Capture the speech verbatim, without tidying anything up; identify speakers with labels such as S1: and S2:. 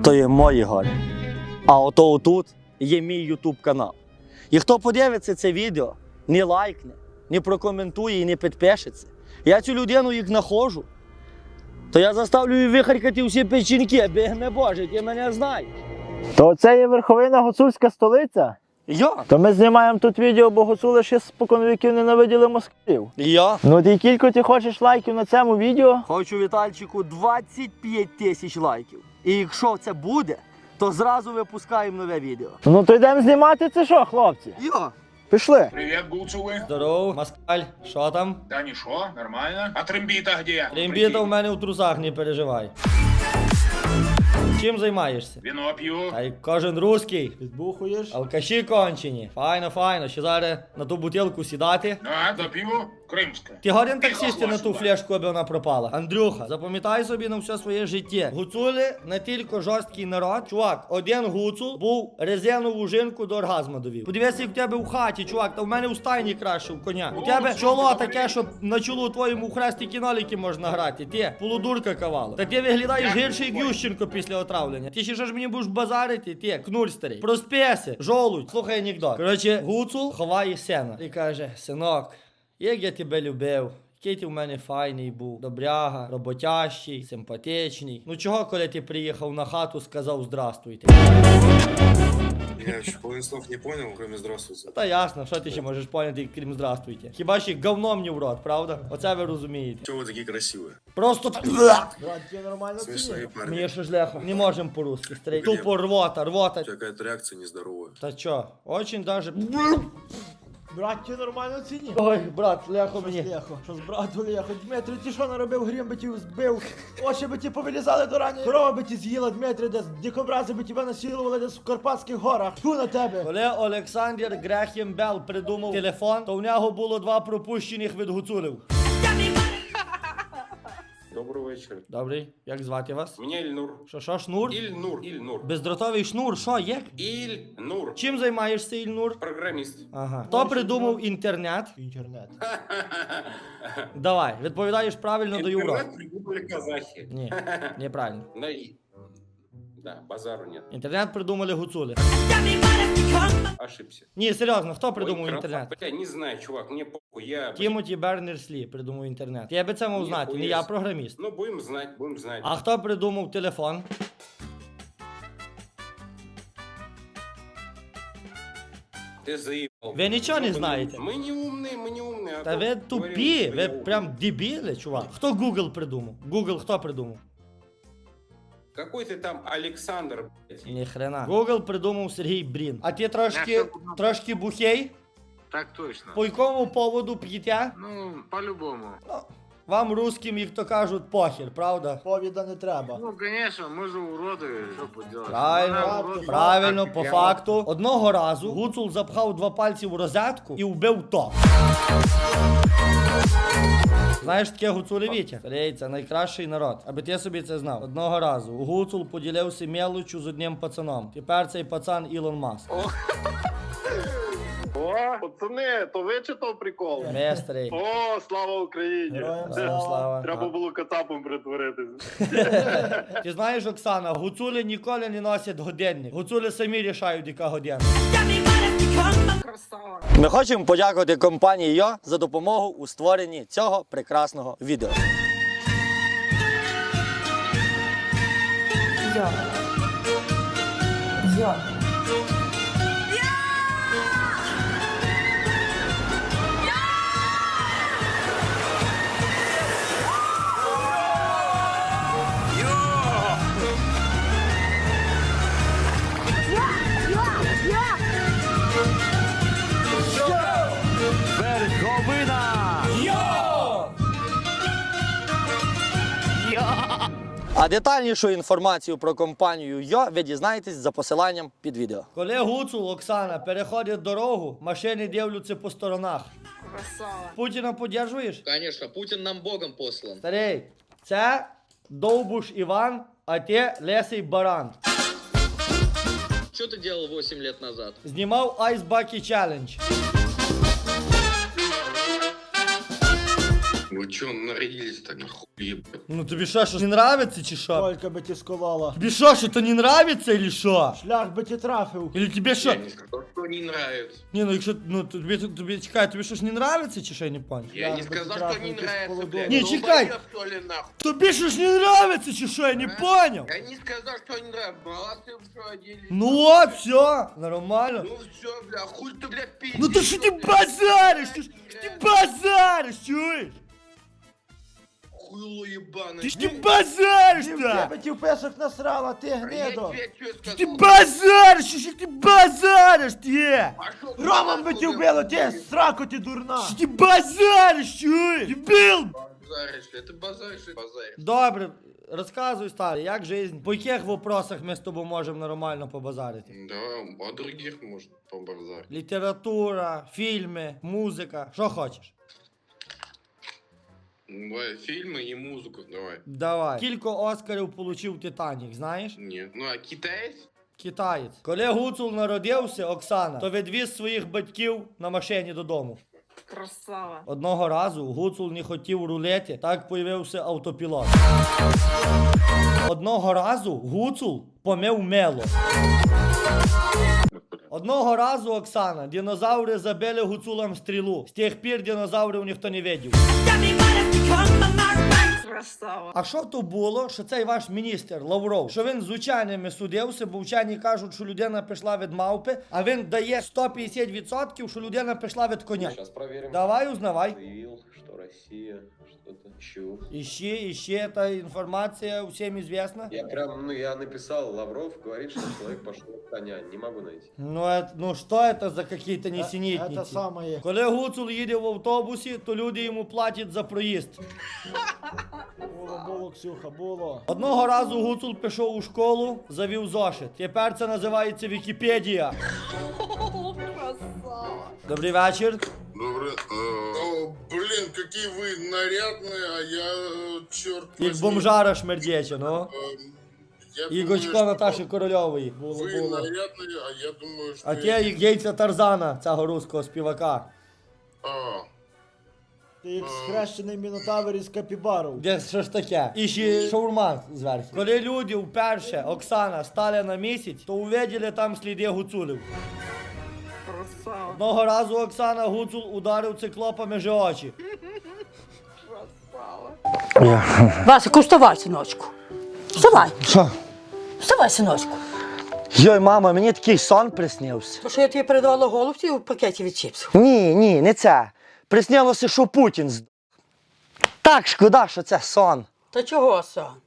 S1: то є мої гори. А ото отут є мій ютуб канал. І хто подивиться це відео, не лайкне, не прокоментує і не підпишеться, я цю людину їх знаходжу, то я заставлю її вихаркати всі печінки, бігме Боже, ти мене знаєш.
S2: То це є верховина гуцульська столиця?
S1: Я?
S2: То ми знімаємо тут відео, бо гуцули ще споконвіків ненавиділи москалів.
S1: Я?
S2: Ну ти кілько ти хочеш лайків на цьому відео?
S1: Хочу, Вітальчику, двадцять п'ять тисяч лайків. І якщо це буде, то зразу випускаємо нове відео.
S2: Ну то йдемо знімати це що, хлопці?
S1: Я?
S2: Пішли.
S3: Привет, гуцулы.
S1: Здорово, москаль, що там?
S3: Да ничего, нормально. А трембита где?
S1: Рембіта в мене у трусах, не переживай. Чим займаєшся?
S3: Вино пью.
S1: Та й кожен русський.
S2: Підбухуєш?
S1: Алкаші кончені. Файно, файно. Ще зараз на ту бутилку сідати.
S3: Да, допью. Крымское.
S1: Ти годен так сісти на ту
S3: Хохла
S1: флешку, аби вона пропала. Андрюха, запам'ятай собі на все своє життя. Гуцули не тільки жорсткий народ. Чувак, один гуцул був резинову жінку до оргазму довів. Подивися, як в тебе в хаті, чувак, та в мене у стайні краще в коня. У тебе чоло таке, що на чолу твоєму в хресті кіноліки можна грати. Ти полудурка кавало. Та ти виглядаєш гірше, як Ющенко після отравлення. Ти ще що ж мені будеш базарити? Ти, кнуль старий. Проспися, жолудь, слухай анекдот. Коротше, гуцул ховає сена. І каже, синок, як я тебе любив, який ти в мене файний був, добряга, роботящий, симпатичний. Ну чого, коли ти приїхав на хату, сказав здравствуйте?
S4: Я еще половину слов не понял, кроме здравствуйте.
S1: Та ясно, що ти ще можеш поняти, крім здравствуйте. Хіба ще говном не в рот, правда? Оце ви розумієте.
S4: Чего вы такие красивые?
S1: Просто так.
S2: Брат, тебе нормально
S4: Смешные парни.
S1: Мені що ж легко. Не можемо по-русски, старий.
S4: Блін.
S1: Тупо рвота, рвота.
S4: У тебя какая-то реакция нездоровая.
S1: Та чо, очень даже...
S2: Брат, тебе нормально ціні?
S1: Ой, брат, ляхо мені.
S2: Лехо, що з брату Лехо? Дмитрий, ти що наробив, грім би ті збив? Очі би ті повилізали до рані. Корова би ті з'їла, Дмитрий, десь дикобрази би тебе насилували десь в Карпатських горах. Тьфу на тебе.
S1: Коли Олександр Грехем Белл придумав телефон, то в нього було два пропущених від гуцулів.
S5: Доброго вечора.
S1: Добрий, як звати вас?
S5: Меня Ильнур.
S1: Що, що, шнур?
S5: Ильнур. Ильнур.
S1: Бездротовий шнур, що, як?
S5: Ильнур.
S1: Чим займаєшся, Ільнур?
S5: Программист.
S1: Ага. Хто придумав інтернет?
S2: Інтернет.
S1: Давай, відповідаєш правильно до Європи.
S5: Интернет придумали казахи.
S1: Ні, неправильно.
S5: Да, и- да, базару нет.
S1: Інтернет придумали гуцули.
S5: Ошибся.
S1: Ні, серйозно, хто придумав
S5: Ой,
S1: інтернет?
S5: Бля, не знаю, чувак, мне похуй, я...
S1: Тімоті Бернерс-Лі придумав інтернет. Я би це мав
S5: Ні,
S1: знати, не
S5: хуєс.
S1: я програміст.
S5: Ну, будем знать, будем знать.
S1: А хто придумав телефон?
S5: Ты заебал.
S1: Ви нічого не
S5: Мы
S1: знаєте?
S5: Мы не умные, мы не умные. а
S1: Та
S5: то
S1: ви
S5: говорим,
S1: тупі,
S5: что
S1: ви
S5: я умный.
S1: прям дебіли, чувак. Хто Google придумав? Google хто придумав?
S5: Какой ты там Александр, блядь?
S1: Ні хрена. Google придумав Сергій Брін. А ти трошки, трошки бухей?
S6: Так точно.
S1: По якому поводу п'єте?
S6: Ну, по-любому.
S1: Ну, вам русским, як то кажуть, похер, правда?
S2: Повіда не треба.
S6: Ну, конечно, мы же уроды, что поделать.
S1: Правильно,
S6: Ну, урод,
S1: правильно,
S6: так
S1: по
S6: я-
S1: факту. Одного разу гуцул запхав два пальці в розетку і вбив то. Знаєш таке гуцулевіття? Старий, це найкращий народ. Аби ти собі це знав. Одного разу гуцул поділився мелочю з одним пацаном. Тепер цей пацан Ілон Маск.
S7: О, пацани, то ви чи то прикол?
S1: Ми, старий.
S7: О, слава Україні!
S2: Героям
S1: Слава, слава.
S7: Треба було кацапом притворитися.
S1: Ти знаєш, Оксана, гуцули ніколи не носять годинник. Гуцули самі рішають, яка година. Ми хочемо подякувати компанії Йо за допомогу у створенні цього прекрасного відео.
S8: Йо. Йо.
S1: А детальнішу інформацію про компанію Йо ви дізнаєтесь за посиланням під відео. Коли гуцул, Оксана, переходить дорогу, машини дивляться по сторонах.
S8: Красава.
S1: Путіна підтримуєш?
S9: Конечно, Путин нам богом послан.
S1: Старий, це Довбуш Іван, а ти Лесий Баран.
S9: Что ты делал восемь лет назад?
S1: Знімав Ice Bucket Challenge.
S4: Вы чё нарядились так нахуй, ебать?
S1: Ну тобі що, що не нравиться чи що?
S2: Колька би ті сколола.
S1: Тобі що, що то не нравиться или що?
S2: Шлях би ті трафив.
S1: Или тебе що?
S4: Я не сказал, что не нравится.
S1: Ні, ну якщо, ну тобі, тобі, чекай, тобі що ж не нравиться чи що, я не понял?
S4: Я не
S2: бы
S4: сказал,
S2: трафил,
S4: что не
S2: ты
S4: нравится,
S2: сполудок.
S4: блядь.
S1: Не,
S4: Ну,
S1: чекай.
S4: моё, что ли, нахуй?
S1: Тобі що ж не нравиться чи що, я не понял?
S4: Я не сказал, что не нравится. Молодцы, что оделись.
S1: Ну от, все, нормально.
S4: Ну все, бля, хуй ты, бля, пиздишь.
S1: Ну то що ти базариш? Ти ж ти базариш, чуєш?
S4: Хуйло ебаное.
S1: Ти ж ти базариш
S2: Дівки
S1: так!
S2: би ті в песок насрала, ти
S4: А я
S2: гнидо.
S4: тебе что сказал?
S1: Ти базариш, що ж ти базариш, ти?
S4: Пошёл ты
S2: Роман би
S4: нахуй,
S2: ті
S4: бля,
S2: вбило, ти
S4: хуй.
S2: сраку ти дурна.
S1: Що ти базариш, чуєш? Дебіл!
S4: Базаришь, ли? ты базаришь, и базаришь.
S1: Добре, розказуй, старий, як жизнь? По яких вопросах ми з тобою можемо нормально побазарити?
S4: Да, о других можно побазарить.
S1: Література, фільми, музика, що хочеш?
S4: Давай, фильмы и музыку, давай.
S1: Давай. Кілько Оскарів получив Титанік, знаєш?
S4: Нет, ну а китаец?
S1: Китаєць. Коли Гуцул народився, Оксана, то відвіз своїх батьків на машині додому.
S8: Красава.
S1: Одного разу Гуцул не хотів рулети, так появився автопілот. Одного разу Гуцул помив мело. Одного разу, Оксана, динозаври забили Гуцулам стрілу. З тих пір динозаврів ніхто не видів.
S8: Красава.
S1: А що то було, що цей ваш міністр Лавров, що він з ученими судився, бо вчені кажуть, що людина пішла від мавпи, а він дає сто п'ятдесят відсотків, що людина пішла від коня.
S5: Сейчас проверим.
S1: Давай узнавай.
S5: Заявил, что Россия что-то ищу.
S1: Іще, іще, та інформація всім известна.
S5: Я прям, ну я написал, Лавров говорит, что человек пошел от коня. Не могу найти.
S1: Ну, это, ну що это за какие-то
S2: Це
S1: несенітниці?
S2: саме.
S1: Коли Гуцул їде в автобусі, то люди йому платять за проїзд.
S2: Було, було, Ксюха, було.
S1: Одного разу Гуцул пішов у школу, завів зошит. Тепер це називається Вікіпедія.
S8: Красава.
S1: Добрий вечір.
S4: Добрый. О, блин, какие вы нарядные, а я, черт
S1: Як бомжара шмердяча, ну.
S4: Я
S1: І Гочко Наташі Корольової. Було,
S4: вы
S1: було.
S4: нарядные, а я думаю, что...
S1: А те як яйця Тарзана, цього руського співака.
S4: А,
S2: Ти як схрещений мінотавр із капібару.
S1: Де що ж таке? І ще шаурма зверху. Коли люди вперше, Оксана, стали на місяць, то увиділи там сліди гуцулів.
S8: Красава.
S1: Одного разу Оксана Гуцул ударив циклопа між очі.
S8: Красава.
S10: Васику, вставай, синочку. Вставай,
S1: Що?
S10: вставай, синочку.
S1: Йой, мама, мені такий сон приснився.
S10: То що я тобі передавала голубці у пакеті від чіпсів.
S1: Ні, ні, не це. Приснилося, що Путін з... Так шкода, що це сон.
S10: Та чого, сон?